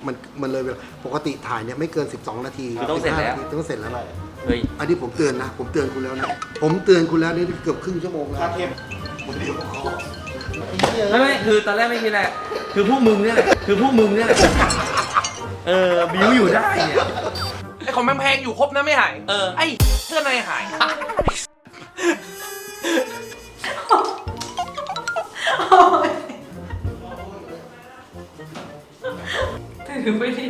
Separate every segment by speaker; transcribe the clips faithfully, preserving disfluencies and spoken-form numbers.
Speaker 1: มันมันเลยเวลาปกติถ่ายเนี่ยไม่เกินสิบสองนาที
Speaker 2: คือต้องเสร็จแล้ว
Speaker 1: ต้องเสร็จแล้ว
Speaker 2: เฮ้ย
Speaker 1: อันนี้ผมเตือนนะผมเตือนคุณแล้วนะผมเตือนคุณแล้วนี่เกือบครึ่งชั่วโมงแล้ว
Speaker 3: เทป
Speaker 2: ไม่ไม่คือตอนแรกไม่คิดแหละคือพวกมึงเนี่ยแหละคือพวกมึงเนี่ยแหละเออบิวอยู่ได้เนี่ย
Speaker 3: ไอของแพงๆอยู่ครบนะไม่หาย
Speaker 2: เออ
Speaker 3: ไอเสื้อในหาย
Speaker 4: ถือไปดิ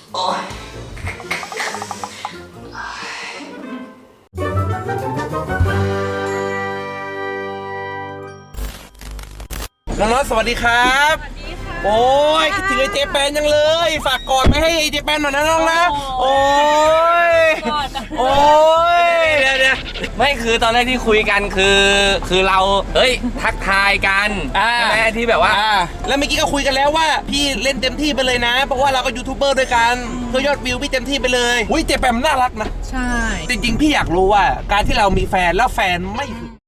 Speaker 3: น้องๆสวัสดีครับ
Speaker 4: สวัสดีค่ะ
Speaker 3: โอ้ยคิดถึงไอเจแปนยังเลย ฝากกอดไปให้ไอเจแปนหน่อยนะน้องนะ โอ้ย โอ้ย
Speaker 2: เดี๋ยวเดี๋ยวไม่คือตอนแรกที่คุยกันคือคือเราเฮ้ยทักทายกัน
Speaker 3: อ่า
Speaker 2: ใช่ไหมที่แบบว่า
Speaker 3: อ่าแล้วเมื่อกี้ก็คุยกันแล้วว่าพี่เล่นเต็มที่ไปเลยนะ เพราะว่าเราก็ยูทูบเบอร์ด้วยกันเพื่อยอดวิวพี่เต็มที่ไปเลยอุ้ยเจแปนมันน่ารักนะ
Speaker 4: ใช่
Speaker 3: จริงๆพี่อยากรู้ว่าการที่เรามีแฟนแล้วแฟนไม่หึง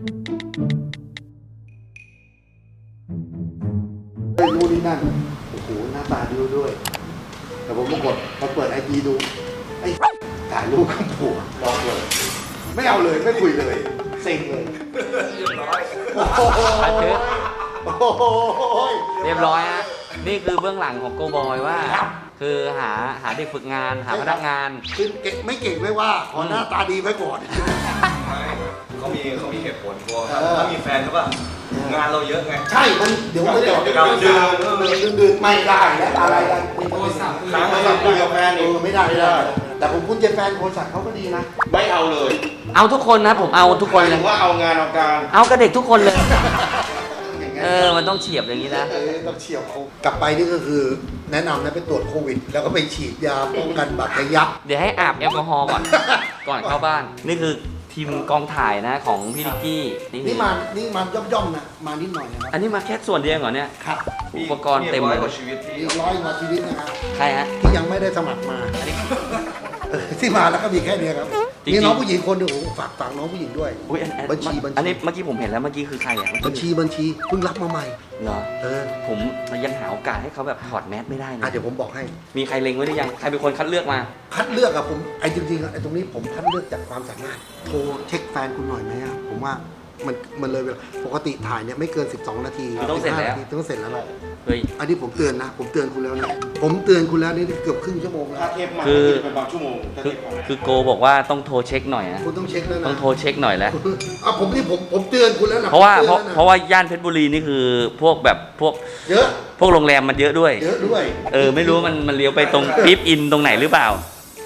Speaker 1: เฮ้ยนู่นนี่นั่นโอ้โหหน้าตาดีด้วยแต่ผมก็กดมาเปิดไอจีดูไอ้ถ่ายรูปกับผัวลองเลยไม่เอาเลยไม่คุยเลยเซ็งเลยเรียบร้อยโอ้โห
Speaker 2: อัดเถอะ
Speaker 1: โอ้โห
Speaker 2: เรียบร้อยฮะนี่คือเบื้องหลังของโกบอยว่า คือหาหาเด็กฝึกงานหาพนักงาน
Speaker 1: คือเก่งไม่เก่งไม่ว่าขอหน้าตาดีไว้ก่อน
Speaker 5: เขามีเขามีเหตุผลกลัวถ้าถ้ามีแฟนเขาป่ะงานเราเยอะไง
Speaker 1: ใช่ มันเดี๋ยวมันจะ
Speaker 5: เดี๋ยวเราเดิน
Speaker 1: เดินดืนไม่ได้และอะไรกัน
Speaker 5: โทรศัพท์คุยกับแฟน
Speaker 1: เอ
Speaker 5: อีก
Speaker 1: อไม่ได้ไม่ได้ แต่ผมคุณเจแฟนโคสัตเขาก็ดีนะ
Speaker 5: ไม่เอาเลย
Speaker 2: เอาทุกคนนะผมเอาทุกคนเลย
Speaker 5: ว่าเอางานเอาการ
Speaker 2: เอากับเด็กทุกคนเลย
Speaker 1: อย่างเงี้ย
Speaker 2: เออมันต้องเฉียบอย่างนี้นะ
Speaker 1: เออต้องเฉียวเขากลับไปนี่ก็คือแนะนำนะไปตรวจโควิด แล้วก็ไปฉีดยาป้องกันบาดทะยัก
Speaker 2: เดี๋ยวให้อาบแอลกอฮอล์ก่อน ก่อนเข้าบ้าน นี่คือทีมกองถ่ายนะของพี่นิกกี้
Speaker 1: นี่มานี่มาย่อมๆนะมานิดหน่อยนะครับ
Speaker 2: อันนี้มาแค่ส่วนเดียวเหรอเนี่ย
Speaker 1: ครับ
Speaker 2: อุปกรณ์เต็มเลย
Speaker 5: กว่าชีวิตที่
Speaker 1: มีร้อยกว่าชีวิตนะครับ
Speaker 2: ใครฮะ
Speaker 1: ที่ยังไม่ได้สมัครมาเออที่มาแล้วก็มีแค่เนี้ยครับ
Speaker 2: จริงๆ
Speaker 1: มีน้องผู้หญิงคนหนึ่งโอ้โหฝากฝากน้องผู้หญิงด้วย
Speaker 2: อุ้ยอันอัน
Speaker 1: บัญชีบัญชี
Speaker 2: อันนี้เมื่อกี้ผมเห็นแล้วเมื่อกี้คือใครอ่ะ
Speaker 1: บัญชีบัญชีเพิ่งรับมาใหม่
Speaker 2: เหรอ
Speaker 1: เออ
Speaker 2: ผมยังหาโอกาสให้เขาแบบถอดแมสไม่ได้เล
Speaker 1: อ่ะ
Speaker 2: ย
Speaker 1: เดี๋ยวผมบอกให้
Speaker 2: มีใครเล็งไว้หรือยังใครเป็นคนคัดเลือกมา
Speaker 1: คัดเลือกอะผมไอ้จริงๆอะไอ้ตรงนี้ผมคัดเลือกจากความสามารถโทรเช็คแฟนคุณหน่อยไหมอะผมว่ามันมันเลยเวลาปกติถ่ายเนี่ยไม่เกินสิบสองนาที
Speaker 2: คือต้องเสร็จแล้ว
Speaker 1: สิบห้านาทีต้องเสร็จแล้วแหละ
Speaker 2: เฮ้ย
Speaker 1: อันนี้ผมเตือนนะ ผมเตือนคุณแล้วนะผมเตือนคุณแล้วนี่เกือบครึ่งชั่วโมงแล้ว
Speaker 5: ถ้าเทปมา
Speaker 2: คือ
Speaker 5: จะเป็นบางชั่วโมงถ้า
Speaker 2: คื
Speaker 5: เท
Speaker 2: อ
Speaker 5: ปมา
Speaker 2: คือโกบอกว่าต้องโทรเช็คหน่อยนะ
Speaker 1: คุณต้องเช็คแล้วนะ
Speaker 2: ต้องโทรเช็คหน่อยแล้ว
Speaker 1: อ่ะผมนี่ผมผมเตือนคุณแล้วนะ
Speaker 2: เพราะว่า
Speaker 1: ผม
Speaker 2: เพราะ
Speaker 1: ตือนแล้วน
Speaker 2: เพราะว่าย่านเพชรบุรีนี่คือพวกแบบพวก
Speaker 1: เยอะ
Speaker 2: พวกโรงแรมมันเยอะด้วย
Speaker 1: เยอะด้วย
Speaker 2: เออไม่รู้ว่ามันมันเลี้ยวไปตรงปี๊บอินตรงไหนหรือเปล่า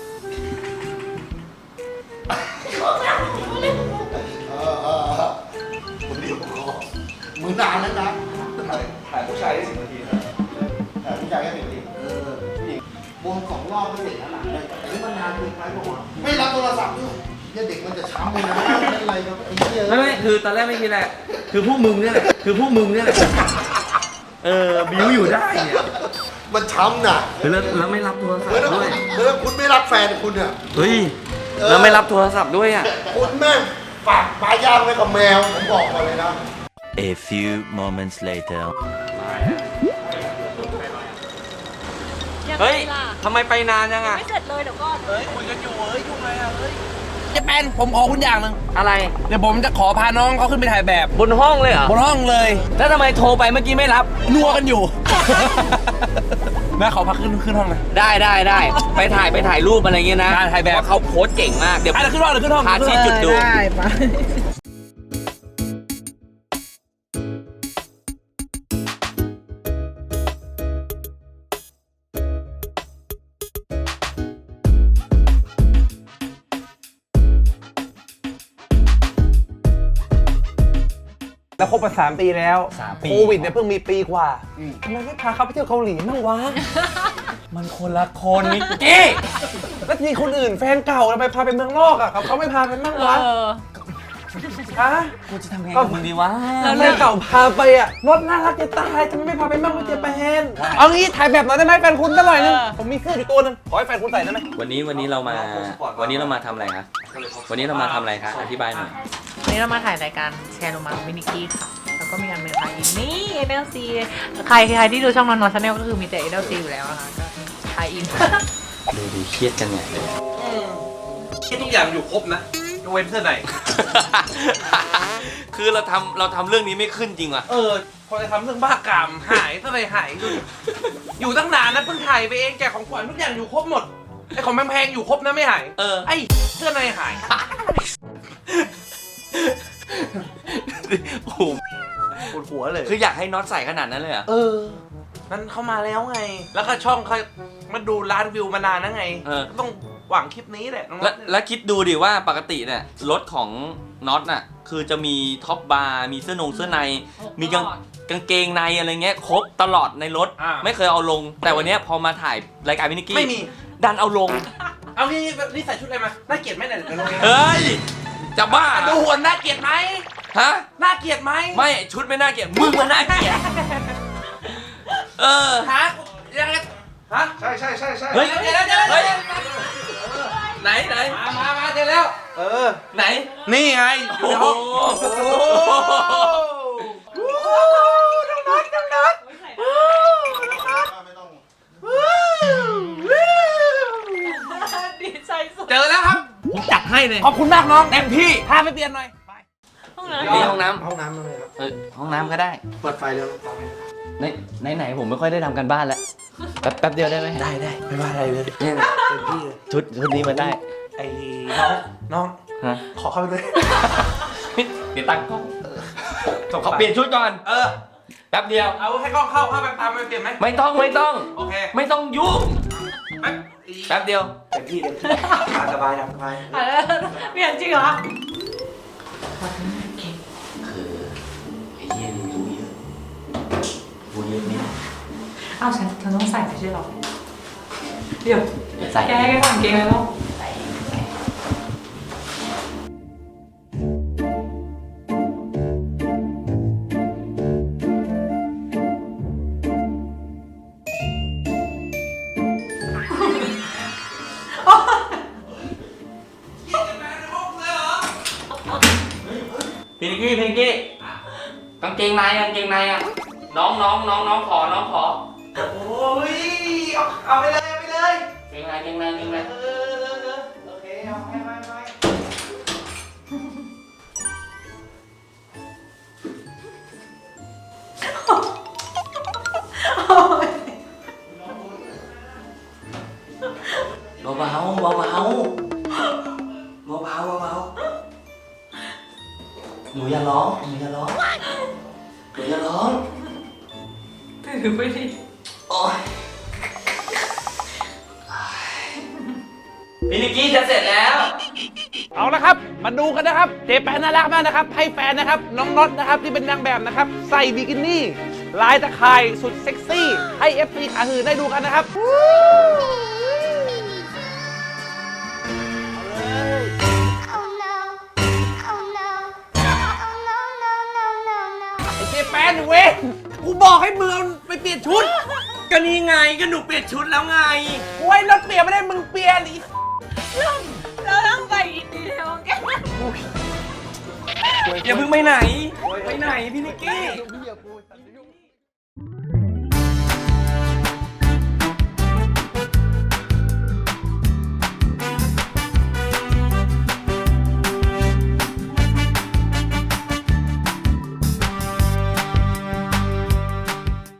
Speaker 1: เออเออเออผมเดี๋ยวขอมือนานแล้วนะ
Speaker 5: ถ่ายถ่ายผู้ชายได้สิบนาทีนะถ่ายผู้ชายแค่สิบนาที
Speaker 1: เออวงสองรอบก็เสร็จแล้วล่ะแต่นี่มันนานเกินไปบอกว่าไม่รับโทรศัพท์ด้วยเนี่ยเด็กมันจะช้ำเลยนะเป็นอะไรครับไอ้เหี้ย
Speaker 2: ไม่ไม่คือตอนแรกไม่คิดแหละคือพวกมึงเนี่ยแหละคือพวกมึงเนี่ยแหละเออบิวอยู่ได้เนี่ย
Speaker 1: มันช้ำน่ะ
Speaker 2: แล้วแล้วไม่รับโทรศัพ
Speaker 1: เมื่อ
Speaker 2: ท์ด้วย
Speaker 1: เมื่อคุณไม่รับแฟนคุณเนี่ย
Speaker 2: เฮ้ยแล้วไม่รับโทรศัพท์ด้วยอ่ะ
Speaker 1: คุณแม่งฝากปลาย่างไว้กับแมวผมบอกก่อนเลยนะ
Speaker 6: A few moments later.
Speaker 2: เฮ้ยทำไมไปนานยังอ่ะ
Speaker 4: ไม่เสร็จเลยเดี๋ยวก่อน
Speaker 3: เฮ้ยคุยกันอยู่เฮ้ยยุ่งอะไรอะเฮ้ยเจแปนผมขอคุณอย่างหนึ่ง
Speaker 2: อะไร
Speaker 3: เดี๋ยวผมจะขอพาน้องเขาขึ้นไปถ่ายแบบ
Speaker 2: บนห้องเลยเหรอบ
Speaker 3: นห้องเลย
Speaker 2: แล้วทำไมโทรไปเมื่อกี้ไม่รับ
Speaker 3: นัวกันอยู่ แม่ขอพักขึ้นขึ้นห้องเลย
Speaker 2: ได้ได้ได้ไปถ่ายไปถ่ายรูปอะไรเงี้ยนะ
Speaker 3: ได้ถ่ายแบบ
Speaker 2: เพระเขาโพสต์เก่งมากเดี๋ยว
Speaker 3: อ่ะเดี๋ยวขึ้นห้องเดี๋ยวขึ้นห้อง
Speaker 2: พาชี้จุดดู
Speaker 4: ได้ปะ
Speaker 3: แล้วคบมาสามปีแล้ว
Speaker 2: สามปี
Speaker 3: โควิดเนี่ยเพิ่งมีปีกว่าทำไมไม่พาเขาไปเที่ยวเกาหลีบ้างวะ
Speaker 2: มันคนละคนนิกกี้
Speaker 3: แล้วทีคนอื่นแฟนเก่าทำไมพาไปเมืองนอกอ่ะเขาไม่พาไปบ้างวะ
Speaker 4: เออ
Speaker 3: ฮะ
Speaker 2: กูจะทำไงกับมึงดีวะ
Speaker 3: แฟนเก่าพาไปอ่ะรถน่ารักจะตายทำไมไม่พาไปบ้างวะเจแปนเอางี้ถ่ายแบบหน่อยได้ไหมแฟนคุณสักหน่อยนึง
Speaker 4: เออ
Speaker 3: ผมมีเสื้ออยู่ตัวนึงขอให้แฟนคุณใส่ได้ไหม
Speaker 2: วันนี้วันนี้เรามาวันนี้เรามาทำอะไรคะวันนี้เรามาทำอะไรคะอธิบายหน่อย
Speaker 4: วันนี้เรามาถ่ายรายการแชร์โรมามินิกี้ค่ะ แล้วแล้วก็มีอันหนึ่งค่ะอีนี่ เอ็น แอล ซี ใครใครที่ดูช่องนอนนอนชาแนลก็คือมีแต่ เอ็น แอล ซี อยู่แล้วนะคะก็ไทยอิน
Speaker 2: ดูดีเครียดกันใหญ่เลย
Speaker 3: คิดทุกอย่างอยู่ครบนะยกเว้นเสื้อใน
Speaker 2: คือเราทำเราทำเรื่องนี้ไม่ขึ้นจริงว่ะ
Speaker 3: เออ พอจะทำเรื่องบ้ากามหายเสื้อในหายดูดิอยู่ตั้งนานนะเพิ่งถ่ายไปเองแจกของขวัญทุกอย่างอยู่ครบหมดไอของแพงๆอยู่ครบนะไม่หาย
Speaker 2: เออ
Speaker 3: ไอเสื้อในหาย
Speaker 2: โอ้โห
Speaker 3: ปวดหัวเลย
Speaker 2: คืออยากให้น็อตใส่ขนาดนั้นเลยเหรอ่ะ
Speaker 3: เออ นั้นเข้ามาแล้วไง แล้วก็ช่องเขามาดูล้านวิวมานานแล้วไง
Speaker 2: เออ
Speaker 3: ต้องหวังคลิปนี้แหละน้อง
Speaker 2: แล้วแล้วคิดดูดิว่าปกติเนี่ยรถของน็อตน่ะคือจะมีท็อปบาร์มีเสื้อนงเสื้อใน มีกางกางเกงในอะไรเงี้ยครบตลอดในรถ
Speaker 3: อ่า
Speaker 2: ไม่เคยเอาลง แต่วันเนี้ยพอมาถ่ายรายการวินิกกี้
Speaker 3: ไม่มี
Speaker 2: ดันเอาลง
Speaker 3: เอานี่นี่ใส่ชุดอะไรมา น่าเกลียดไหมเนี่ยเดี๋ยวลงเอง
Speaker 2: เฮ้ย จะบ้า
Speaker 3: อ่ะดูหุ่นน่าเกลียดไหม
Speaker 2: ฮะ
Speaker 3: น่าเกลียดไหม
Speaker 2: ไม่ชุดไม่น่าเกลียดมึงมันน่าเกลียดเออ
Speaker 3: ฮะยังไงฮะ
Speaker 5: ใช่ใช่ใช่ใช่
Speaker 2: เฮ้ย
Speaker 3: เดี๋ยวเดี๋ยวเดี๋ยว
Speaker 2: เฮ้ย
Speaker 3: เดี๋ยว
Speaker 2: ไหนไหน
Speaker 3: มามามาเจอแล้ว เออ
Speaker 2: ไหน
Speaker 3: นี่ไงอยู่ในห้อง
Speaker 2: โอ้
Speaker 3: โอ้
Speaker 2: โห
Speaker 3: โหน้องนัทน้องนัท
Speaker 1: ไม่ต้อง
Speaker 4: ดีใจสุด
Speaker 3: เจอแล้วครับ ผมจัดให้เลย ขอบคุณมากน้องเต็มที่พาไปเปลี่ยนหน่อยไป
Speaker 4: ห้องน้
Speaker 2: นี่ห้องน้ำ
Speaker 1: ห้องน้ำเลยครับ
Speaker 2: เออห้องน้ำก็ได้
Speaker 1: เปิดไฟเร็ว
Speaker 2: ไหนไหนไหนผมไม่ค่อยได้ทำกันบ้านแล้วแป๊บแป๊บเดียวได้ไหม
Speaker 3: ได้ได้ไม่ว่าอะไรเลย
Speaker 2: เนี่ย
Speaker 3: เต็มที่เลย
Speaker 2: ชุดชุดนี้มันได้
Speaker 3: ไอ้น้องน้อง
Speaker 2: ฮะ
Speaker 3: ขอเข้าไปเลย
Speaker 2: เดี๋ยวตั้งกล้องขอเปลี่ยนชุดก่อน
Speaker 3: เออ
Speaker 2: แป๊บเดียว
Speaker 3: เอาให้กล้องเข้าเข้าไปตามไปเปลี่ยนไหม
Speaker 2: ไม่ต้องไม่ต้อง
Speaker 3: โอเค
Speaker 2: ไม่ต้องยุ่ง
Speaker 3: แป๊บ
Speaker 2: แป๊บเดียว
Speaker 3: เต็มที่เต็มที่ตามสบายตามสบาย
Speaker 4: ำอ่ะเปลี่ยนจริงเหรอ
Speaker 2: คือไอ้เหี้ยนี่รู้เยอะรู้เยอะนี่
Speaker 4: อ้าวฉันฉันต้องใส่ไม่ใช่เหรอ เดี๋ยว
Speaker 2: ใส่
Speaker 4: แกแกก่อนเกงแล้ว
Speaker 2: พี่นิกกี้พี่นิกกี้กางเกงในกางเกงในอ่ะน้องน้องน้องน้องขอน้องขอ
Speaker 3: โอ้ยเอาเอาไปเลยเอาไปเลย
Speaker 2: เกงในเกงในเกงใน
Speaker 3: เออเออเออโอเคเอาไปไปไป
Speaker 2: เบาเบาเบาเบาเบาเบาเบาหนูอย่าร้องหนูอย่าร้องหนูอย่าร้อง
Speaker 4: ถือไปดิ
Speaker 2: โอ๊ยพี่นิกกี้จะเสร็จแล้ว
Speaker 3: เอาละครับ มาดูกันนะครับ เจแปนน่ารักมากนะครับ ให้แฟนนะครับ น้องน็อตนะครับ ที่เป็นนางแบบนะครับ ใส่บิกินี่ ลายตะข่ายสุดเซ็กซี่ ให้ เอฟ ซี ขาหื่นได้ดูกันนะครับ
Speaker 7: Oh no. Oh no. Oh no, no, no, no, no.
Speaker 3: ไอเจแปนเว้ยกูบอกให้มึงเอาไปเปลี่ยนชุด
Speaker 2: ก็นี่ไงก็หนูเปลี่ยนชุดแล้วไง
Speaker 3: โอ้ยรถเปลี่ยนไม่ได้มึงเปลี่ยนอีก
Speaker 4: เราต้องใส่อีกทีเดียวแก
Speaker 2: อย่าเพิ่งไปไหน ไปไหนพี่นิกกี้
Speaker 1: พี่อย่าก